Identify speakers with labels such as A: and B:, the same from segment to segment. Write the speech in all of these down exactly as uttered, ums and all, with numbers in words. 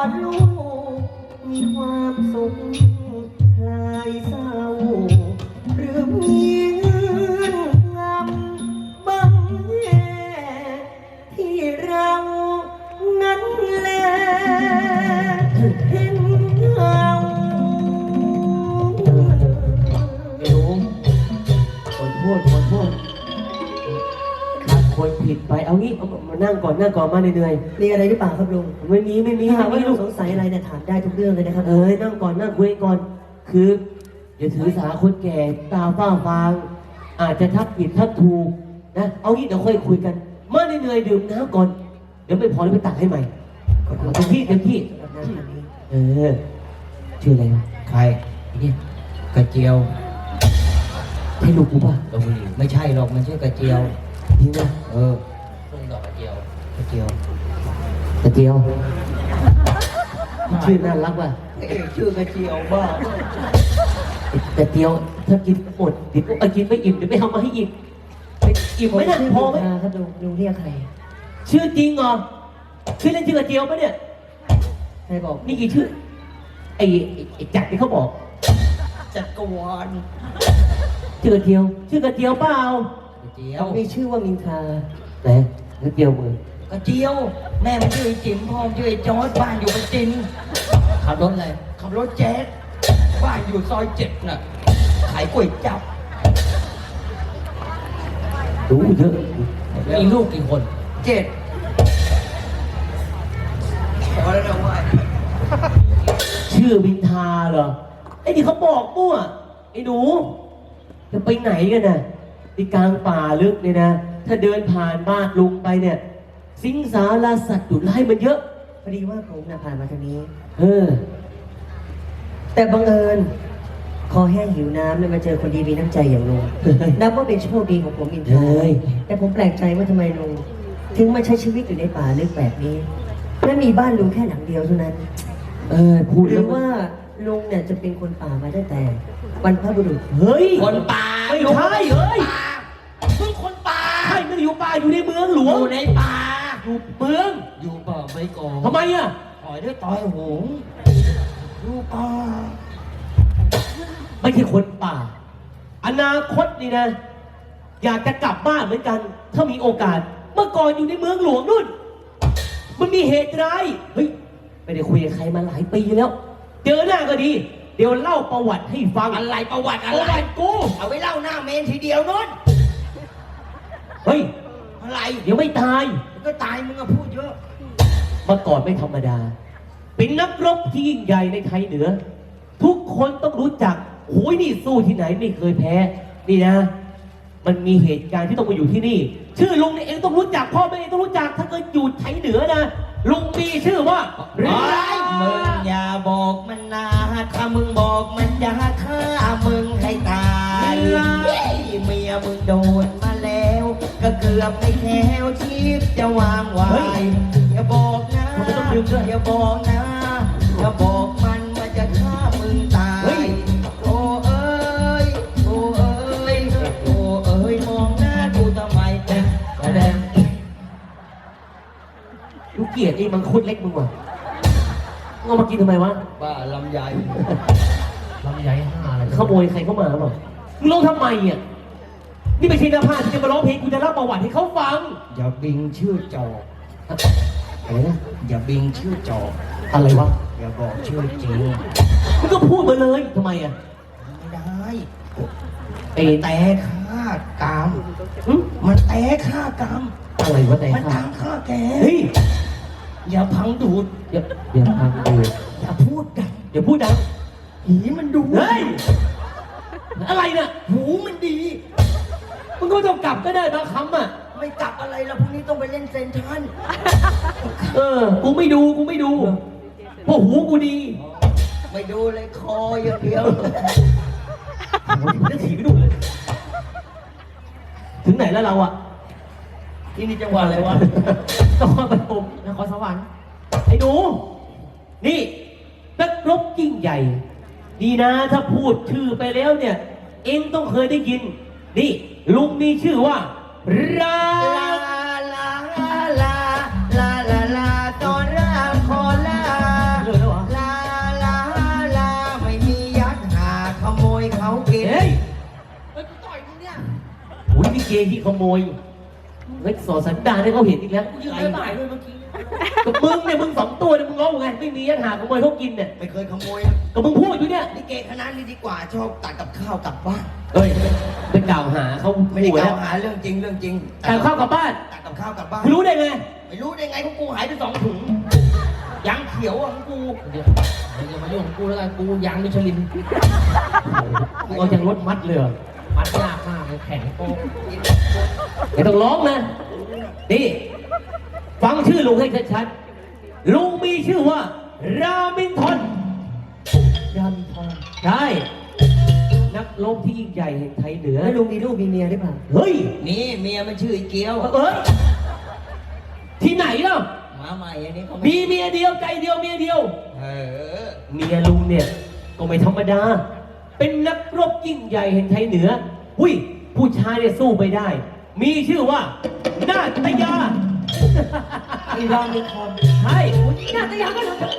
A: ดลูกมีความสุขคลายเศร้าหรือมีเงื่อนงำบังแย่ที่เรานั้นแลเห็นเงา
B: ไอ้หนูขอโทษขอโทษครับคนผิดไปเอางี้เอามานั่งก่อนนั่งก่อนมาเหนื่อย
A: มีอะไรหรือเปล่าครับลุง
B: ๆไม่มีไม่มี
A: ถ้าหากว่า
B: ไม่
A: ลุ
B: ลู
A: ง
B: ก
A: สงสัยอะไรเนี่ยถามได้ทุกเรื่องเลยนะครับ
B: เอ้ยนั่งก่อนนั่งคุยก่อน คืออย่าถือสาคนแก่ตาฝ้าฟางอาจจะทักผิดทักถูกนะเอางี้เดี๋ยวค่อยคุยกันมาเหนื่อยๆดื่มน้ำก่อนเดี๋ยวไม่พอแล้วไปตักให้ใหม่เต็มที่เต็มที่
A: สำหรับน้ำแบบนี้
B: เออชื่ออะไรวะ
C: ใคร
B: ไอ้เนี่ย
C: กระเจียว
B: ให้ลูกกูป่ะ
C: ตะบุรีไม่ใช่หรอกมันชื่อกระเจียว
B: จริงนะ
C: เออต้นดอกกระเจียวกระเจียว
B: ตะเกียวชื่อน่ารักว่ะ
C: เอ๊ะชื่อกระเจียวบ้า
B: ตะเกียวถ้ากินหมดเดี๋ยวเอากินไม่อิ่มเดี๋ยวไม่เอามาให้อิ่มอิ่มไหมเนี่ยพอไหม
A: ครับลุงลุงเรียกใคร
B: ชื่อจริงเหรอชื่อเล่นชื่อกระเจียวปะเนี่ย
A: ใครบอก
B: นี่กี่ชื่อไอ้ไอ้ไอ้จักรที่เขาบอก
C: จักรวาล
B: ชื่อกระเจียว ชื่อกระเจียวเปล่าก
C: ระเจียว
A: มีชื่อว่ามินทรา
B: ไหนกระเจียวมือก
C: ระเจียว แม่มันชื่อไอ้จิ๋มพ่อมันชื่อไอ้จอร์จบ้านอยู่ประจินขับรถอะไรขับรถแจ๊สบ้านอยู่ซอยเจ็ดน่ะขายก๋วยจั๊บ
B: รู้เยอะ
C: มีลูกกี่คนเจ็ดพอแล้วนะว่า
B: ชื่อวินทาเหรอไอ้นี่เขาบอกมั่วไอ้หนูจะไปไหนกันน่ะที่กลางป่าลึกเนี่ยนะ ถ้าเดินผ่านบ้านลุงไปเนี่ย สิงสาราสัตว์ดุร้ายมันเยอะ
A: พอดีว่าผมน่ะผ่านมาทางนี้
B: เออ
A: แต่บังเอิญคอแห้งหิวน้ำเลยมาเจอคนดีมีน้ำใจอย่างลุง นับว่าเป็นโชคดีของผมอินทรา
B: เฮ้ย
A: แต่ผมแปลกใจว่าทำไมลุงถึงมาใช้ชีวิตอยู่ในป่าลึกแบบนี้และมีบ้านลุงแค่หลังเดียวเท่านั้น
B: เออพูด
A: หรื
B: แล้
A: อ
B: ว
A: ว่าลุงเนี่ยจะเป็นคนป่ามาตั้งแต่บรรพบุรุษ
B: เฮ้ย
C: คนป่า
B: ไม่ใช่เฮ้ย
C: เพิ่งคนป่า
B: ใช่ไม่ได้อยู่ป่าอยู่ในเมืองหลว
C: อง ยู่ในป่า
B: อยู่เมือง
C: อยู่ป่าไม่ก่อ
B: ทำไมอ่ะ
C: ต่อยด้วยต่อยหงอยู่ป่า
B: ไม่ใช่คนป่า อนาคตนี่นะ อยากจะกลับบ้านเหมือนกัน ถ้ามีโอกาส เมื่อก่อนอยู่ในเมืองหลวงนู่น มันมีเหตุร้ายเฮ้ยไม่ได้คุยกับใครมาหลายปีแล้ว เจอหน้าก็ดี เดี๋ยวเล่าประวัติให้ฟัง
C: อะไรประวัติ
B: ป
C: อะไร
B: ระวัติกู
C: เอาไว้เล่าหน้าเมนทีเดียวนู้น
B: เฮ้ย
C: อะไร
B: เดี๋ยวไม่ตาย
C: ก็ตายมึงอะพูดเยอะ
B: เมื่อก่อนไม่ธรรมดา เป็นนักรบที่ยิ่งใหญ่ในไทยเหนือ ทุกคนต้องรู้จักโอ้ยนี่สู้ที่ไหนไม่เคยแพ้ นี่นะ มันมีเหตุการณ์ที่ต้องมาอยู่ที่นี่ ชื่อลุงเนี่ยเองต้องรู้จักพ่อแม่เองต้องรู้จัก ถ้าเกิดอยู่ไทยเหนือนะ ลุงมีชื่อว่า
C: ไรมึงอย่าบอกมันนะถ้ามึงบอกมันจะฆ่ามึงให้ตายเฮ้ยเมียมึงโดนมาแล้ว ก็เกือบไม่แค้วชีพจะวางไว้อย่าบอกนะอย่าบอกนะอย่าบอกมันมันจะฆ่ามึงตายโอ้เอ้ยโอ้เอ้ยโอ้เอ้ยมองหน้ากูทำไมแต่แดง
B: ลูกเกียรติไอ้มังคุดเล็กมึงว่ะมึงเอามากินทำไมวะ
C: บ้าลำไยลำไยห้าอะไร
B: ขโมยใครเข้ามาหรือเปล่ามึงร้องทำไมอ่ะ นี่ไม่ใช่นักพากย์ที่จะมาร้องเพลงกูจะเล่าประวัติให้เขาฟัง
C: อย่าบิงชื่อจอก
B: อะไรนะ
C: อย่าบิงชื่อจอก
B: อะไรวะ
C: อย่าบอกชื่อจริง
B: มึงก็พูดมาเลยทำไมอ่ะ
C: ไม่ได้
B: ไอ้
C: แต่ฆ่ากรรม
B: หึ
C: มันแต่ฆ่ากรรม
B: อะไรวะแต่
C: มัน
B: ข้า
C: ตามฆ่าแก
B: เฮ้ย
C: อย่าพังดูด
B: อย่าอย่าพังดู
C: อย่าพูดดัง
B: อย่าพูดดัง
C: ผีมันดู
B: เฮ้ย อะไรน่ะ
C: หูมันดี
B: มึงก็ต้องกลับก็ได้บางคำอ่ะ
C: ไม่กลับอะไรแล้วพรุ่งนี้ต้องไปเล่นเซนทรัล
B: เออ กูไม่ดู กูไม่ดูเพราะหูกูดี
C: ไม่ดูเลยคออย่างเดียว
B: จะถีบไปดูเลย ถึงไหนแล้วเราอ่ะ
C: ที่นี่จังหวัดอะไรวะ
B: นครปฐมนครสวรรค์ไอ้หนู นี่นักรบยิ่งใหญ่ ดีนะถ้าพูดชื่อไปแล้วเนี่ย เอ็งต้องเคยได้ยิน นี่ ลุงมีชื่อว่า รา
C: ลาลาลาลาลาลาลาตอนรามขอลา
B: เกที่ขโมยเฮ้ยสอสันดานให้เขาเห็นอีกแล้ว
D: กูยืนไม่ไหวด้วยเมื่อกี้
B: กับมึงเนี่ยมึงสองตัวเนี่ยมึงร้องไงไม่มียันหาขโมยเขากินเนี่ย
C: ไม่เคยขโมยนะ
B: กับมึงพูดอยู่เนี่ย
C: ลิเกคณะนี้ดีกว่าชอบตัดกับข้าวกลับบ้าน
B: เฮ้ยเป็นกล่าวหาเขา
C: ไม่ได้
B: หัว
C: ก
B: แล้
C: ล่าว วหาเรื่องจริงเรื่องจริง
B: แต่ข้าวกลับบ้าน
C: ตัดกับข้าวกลับบ้าน
B: คุณรู้ได้ไง
C: ไม่รู้ได้ไงของกูหายไปสองถุงยังเขียวอ่ะของกู
D: เดี๋ยวอย่ามายุ่งกับกูแล้วกันกูยางมิชลิน
B: มึงเอาจากรถมัดเลยเหรอ
D: มัดยากมากเลยแข็งโป๊ก
B: ไม่ต้องร้องนะนี่ฟังชื่อลุงให้ชัดๆลุงมีชื่อว่า รามินทอน
A: รามินทอน
B: ใช่ นักรบที่ยิ่งใหญ่แห่งไทยเหนือ
A: แล้วลุงมีลูกมีเมียหรือเปล่า
B: เฮ้ย
C: นี่เมียมันชื่อไอ้เกียว
B: เอ้ย ที่ไหนเล่า
C: มาใหม่อันนี้เขา
B: มีเมียเดียวใจเดียวเมียเดียว
C: เออ
B: เมียลุงเนี่ย ก็ไม่ธรรมดา เป็นนักรบยิ่งใหญ่แห่งไทยเหนือหุ้ย ผู้ชายเนี่ยสู้ไปได้ มีชื่อว่า นาตยา
A: ไอ้รามินทอน
B: ใช่
A: นาตยาก็ทำกับ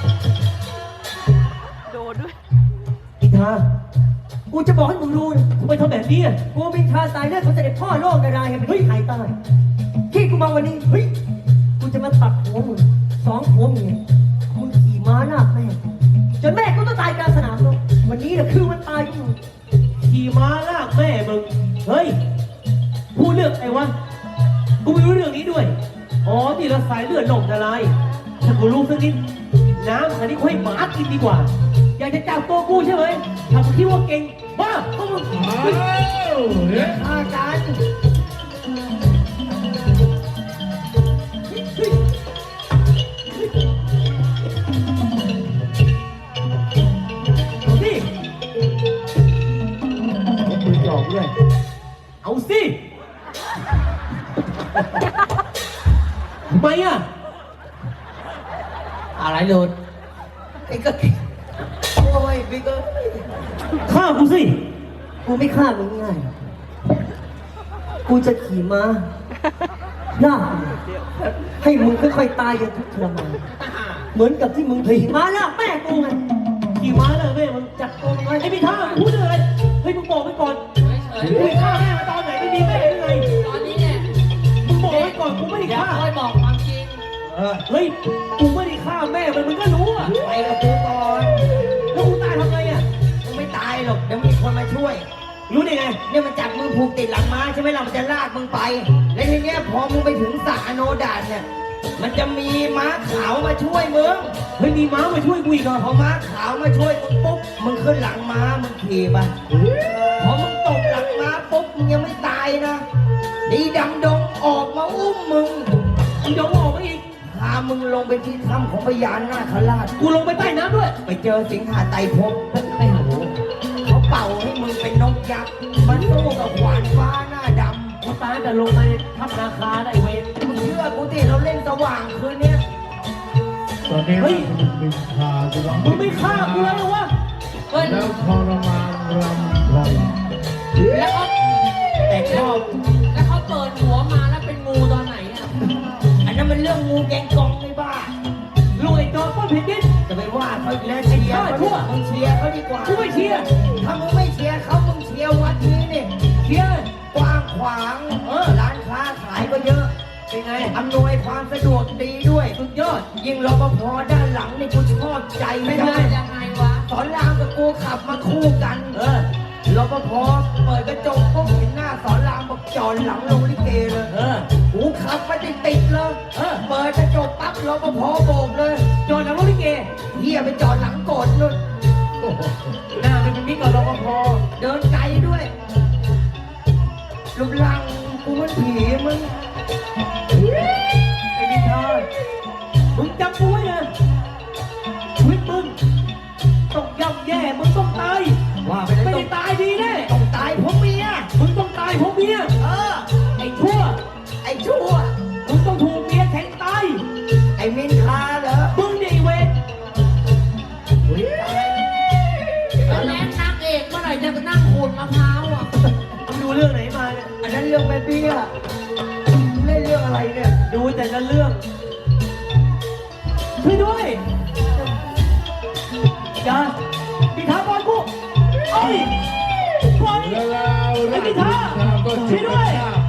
E: โดนด้วย
B: พิธา
A: กูจะบอกให้มึงรู้นะ
B: ทำไมทำแบบนี้อ่ะ
A: กูเป็นชาสายเลือดของเสด็จพ่อโลกนาราแห่งประเทศไทยใต้ที่กูมาวันนี้เฮ้ยกูจะมาตัดหัวมึงสองหัวเมียมึงขี่ม้าลากแม่กูจนแม่กูต้องตายกลางสนามรบวันนี้แหละคือวันตายของมึง
B: ขี่ม้าลากแม่มึง เฮ้ย พูดเรื่องไอ้วะ กูไม่รู้เรื่องนี้ด้วย อ๋อ นี่เราสายเลือดหลงอะไรถ้ากูรู้สักนิด น้ำอันนี้กูให้หมากินดีกว่า อยากจะจับตัวกูใช่ไหมทำคิดว่าเก่งบ้าก็มึงเฮ้ย
A: อาการ
B: เอาสิเอาปืนจ่อกูด้วยเอาสิทำไมอ่ะ
D: อะไรหลุด
C: ไอ้ก็โอ้ยพี่ก็
B: ฆ่ากูสิ
A: กูไม่ฆ่ามึงง่ายหรอกกูจะขี่ม้าลากมึงให้มึงค่อยๆตายอย่างทุกข์ทรมานเหมือนกับที่มึงขี่ม้าลากแม่กูไง
B: ขี่ม้าเลยแม่มึงจัดตัวมึงไงไอ้พี่ท่าพูดเรื่องอะไร เฮ้ยมึงบอกไว้ก่อน
D: เฉย
B: มึงไปฆ่าแม่มาตอนไหนไม่มีแม่หรือไง
D: ๆตอนนี้เนี่ย
B: มึงบอกไว้ก่อนกูไม่ได้
D: เดี๋ยว
B: ฆ่า
D: ค่อยบอกความจริง
C: เออ
B: เฮ้ย กูไม่ได้ฆ่าแม่มันมึงก็รู้อ่ะ
C: ไปกับกูก่อน
B: แล้วกูตายทำไงอ่ะ
C: มึงไม่ตายหรอกเดี๋ยวมีคนมาช่วย
B: รู้ได้ไง
C: เนี่ยมันจับมือผูกติดหลังม้าใช่ไหมเรามันจะลากมึงไป แล้วทีเนี้ยพอมึงไปถึงสระอโนดาตเนี่ย มันจะมีม้าขาวมาช่วยมึง
B: เฮ้ยมีม้ามาช่วยกูอีกเหรอ
C: พอม้าขาวมาช่วยมึงปุ๊บ มึงขึ้นหลังม้ามึงขี่ไปพอมึงตกหลังม้าปุ๊บมึงยังไม่ตายนะดีดำดงออกมาอุ้มมึง
B: มึงยอมออกมาอีก
C: พามึงลงไปที่ถ้ำของพญานาคราช
B: กูลงไปใต้น้ำด้วย
C: ไปเจอสิงหาไตรภพ
B: ไม่หา
C: เขาเป่าให้มึงเป็นนกยักษ์มาสู้กับขวานฟ้าหน้าด
B: กูตายแต่ลงไปทับนาคาได้เวร
C: ำมึงเชื่อกูที่เราเล่นสว่างคืนเนี้ย
F: ตอนนี้
B: เฮ้ย
F: บินพาจะร้อง
B: มึงไม่ฆ่ากูแล้วเหรอวะ
D: เฮ้ย
F: แล้วทรมานรำไร
D: แล้วเขา
C: แต่ชอบ
D: แล้วเขาเปิดหัวมาแล้วเป็นงูตอนไหนอ่ะ
C: อันนั้นมันเรื่องงูแกงกองไม่บ้า
B: ลุงไอ้จอมป้นเพชรดิน
C: จะไปว่าเขาอีกแล้วเชียร์เขา
B: ชั่ว
C: มึงเชียร์เขาดีกว่า
B: กูไม่เชียร์
C: ถ้ามึงไม่เชียร์เขามึงเชียร์วัดนี้นี่
B: เชียร์
C: กว้างขวาง
B: เออ
C: ร้านค้าขายก็เยอะ
B: เป็นไง
C: อำนวยความสะดวกดีด้วย
B: สุดยอด
C: ยิ่งรปภด้านหลังนี่กูชอบใจ
D: ไม่
C: ไม่
D: ได้
C: ได้
D: ยังไงวะ
C: สอนรามกับกูขับมาคู่กัน
B: เออ
C: รปภเปิดกระจกปุ๊บเห็นหน้าสอนรามบอกจอดหลังลงลิเกเลย
B: เออ
C: กูขับไปติดติดๆเลย
B: เออ
C: เปิดกระจกปั๊บรปภโบกเลย
B: จอดหลังรถลิเก
C: เฮียไปจอดหลังโกดนู่น
B: หน้ามันเป็นมิตรกับรปภ
C: เดินไกลด้วยรูปร่างกูเหมันผีมึง
B: ไอ้นิทามึงจำกูไว้นะชีวิตมึงต้องย่ำแย่ มึงต้องตาย
C: ว่าไป
B: ไม่
C: เลย
B: ได้ตายดีแน่
C: ต้องตายเพราะเมีย
B: มึงต้องตายเพราะเมีย
C: เออ
B: ไอ้ชั่ว
C: ไอ้ชั่ว
B: มึงต้องถูกเมียแทงตาย
C: ไอ้มินทาเหรอ
B: มึงเนี่ยไอ้เวร
D: แล้วแล้นางเอกเมื่อไหร่จะนั่งขูดมะพร้าวอ่ะ
B: มึงดูเรื่องไหนมาเนี่ย
C: อันนั้นเรื่องแม่เบี้ยเล่นเรื่องอะไรเนี่ย
B: ดูแต่ละเรื่อง ช่วยด้วยอย่าปีทาบอลกูเอ้ยปล่อย
F: แล้วเราเริ่
B: นิทาช่วยด้วย